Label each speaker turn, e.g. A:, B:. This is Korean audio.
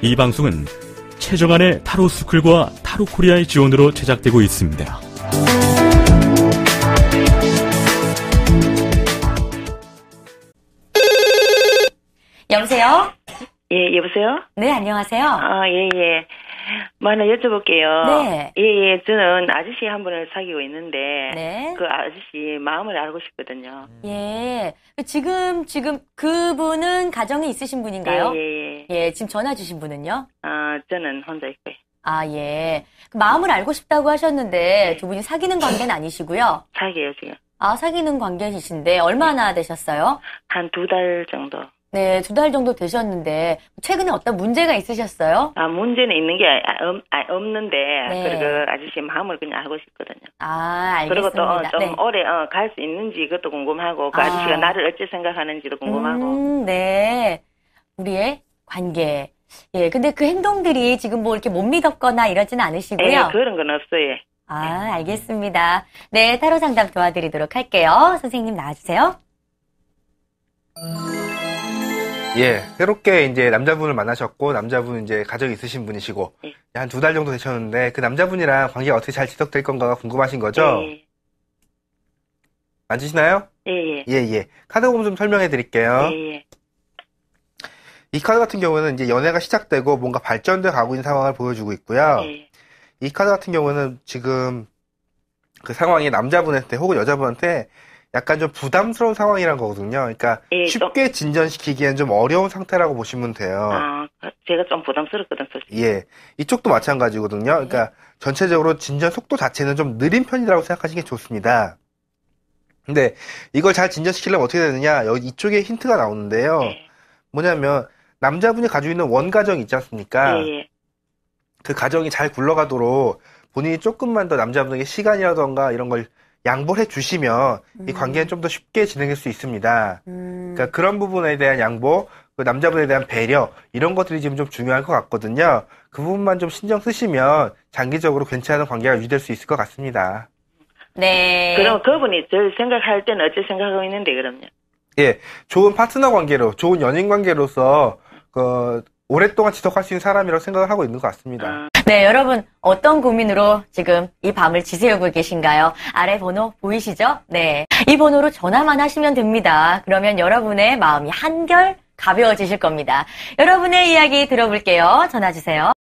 A: 이 방송은 최정안의 타로 스쿨과 타로 코리아의 지원으로 제작되고 있습니다.
B: 여보세요?
C: 예, 여보세요?
B: 네, 안녕하세요.
C: 예. 뭐 하나 여쭤볼게요.
B: 네.
C: 예, 저는 아저씨 한 분을 사귀고 있는데,
B: 네.
C: 그 아저씨 마음을 알고 싶거든요.
B: 예. 지금 그분은 가정이 있으신 분인가요?
C: 예.
B: 예, 지금 전화 주신 분은요?
C: 저는 혼자 있고요.
B: 예. 그 마음을 알고 싶다고 하셨는데 두 분이 사귀는 관계는 아니시고요?
C: 사귀어요, 지금.
B: 사귀는 관계이신데 얼마나 되셨어요?
C: 한 2달 정도.
B: 네, 2달 정도 되셨는데 최근에 어떤 문제가 있으셨어요?
C: 문제는 있는 게 없는데,
B: 네.
C: 그리고 아저씨 마음을 그냥 알고 싶거든요.
B: 알겠습니다.
C: 그리고 또 좀
B: 네.
C: 오래 갈 수 있는지 그것도 궁금하고, 그 아저씨가 나를 어찌 생각하는지도 궁금하고.
B: 네. 우리의 관계. 예, 근데 그 행동들이 지금 뭐 이렇게 못 믿었거나 이러지는 않으시고요.
C: 예, 그런 건 없어요.
B: 알겠습니다. 네, 타로 상담 도와드리도록 할게요. 선생님 나와주세요.
D: 예, 새롭게 이제 남자분을 만나셨고, 남자분은 이제 가정이 있으신 분이시고,
C: 예.
D: 한 2달 정도 되셨는데, 그 남자분이랑 관계가 어떻게 잘 지속될 건가가 궁금하신 거죠?
C: 예.
D: 맞으시나요?
C: 예.
D: 예. 카드 보면 좀 설명해 드릴게요.
C: 예.
D: 이 카드 같은 경우는 이제 연애가 시작되고 뭔가 발전돼 가고 있는 상황을 보여주고 있고요.
C: 예.
D: 이 카드 같은 경우는 지금 그 상황이 남자분한테 혹은 여자분한테 약간 좀 부담스러운 상황이란 거거든요. 그러니까
C: 예,
D: 쉽게 진전시키기엔 좀 어려운 상태라고 보시면 돼요.
C: 제가 좀 부담스럽거든, 솔직히.
D: 예. 이쪽도 마찬가지거든요. 그러니까 전체적으로 진전 속도 자체는 좀 느린 편이라고 생각하시는 게 좋습니다. 근데 이걸 잘 진전시키려면 어떻게 되느냐? 여기 이쪽에 힌트가 나오는데요.
C: 예.
D: 뭐냐면 남자분이 가지고 있는 원가정 있지 않습니까?
C: 예.
D: 그 가정이 잘 굴러가도록 본인이 조금만 더 남자분에게 시간이라던가 이런 걸 양보를 해주시면 이 관계는 좀 더 쉽게 진행될 수 있습니다. 그러니까 그런 부분에 대한 양보, 그 남자분에 대한 배려 이런 것들이 지금 좀 중요할 것 같거든요. 그 부분만 좀 신경 쓰시면 장기적으로 괜찮은 관계가 유지될 수 있을 것 같습니다.
B: 네.
C: 그럼 그분이 저를 생각할 때는 어찌 생각하고 있는데, 그럼요?
D: 예, 좋은 파트너 관계로, 좋은 연인 관계로서 오랫동안 지속할 수 있는 사람이라고 생각을 하고 있는 것 같습니다.
B: 네, 여러분 어떤 고민으로 지금 이 밤을 지새우고 계신가요? 아래 번호 보이시죠? 네, 이 번호로 전화만 하시면 됩니다. 그러면 여러분의 마음이 한결 가벼워지실 겁니다. 여러분의 이야기 들어볼게요. 전화 주세요.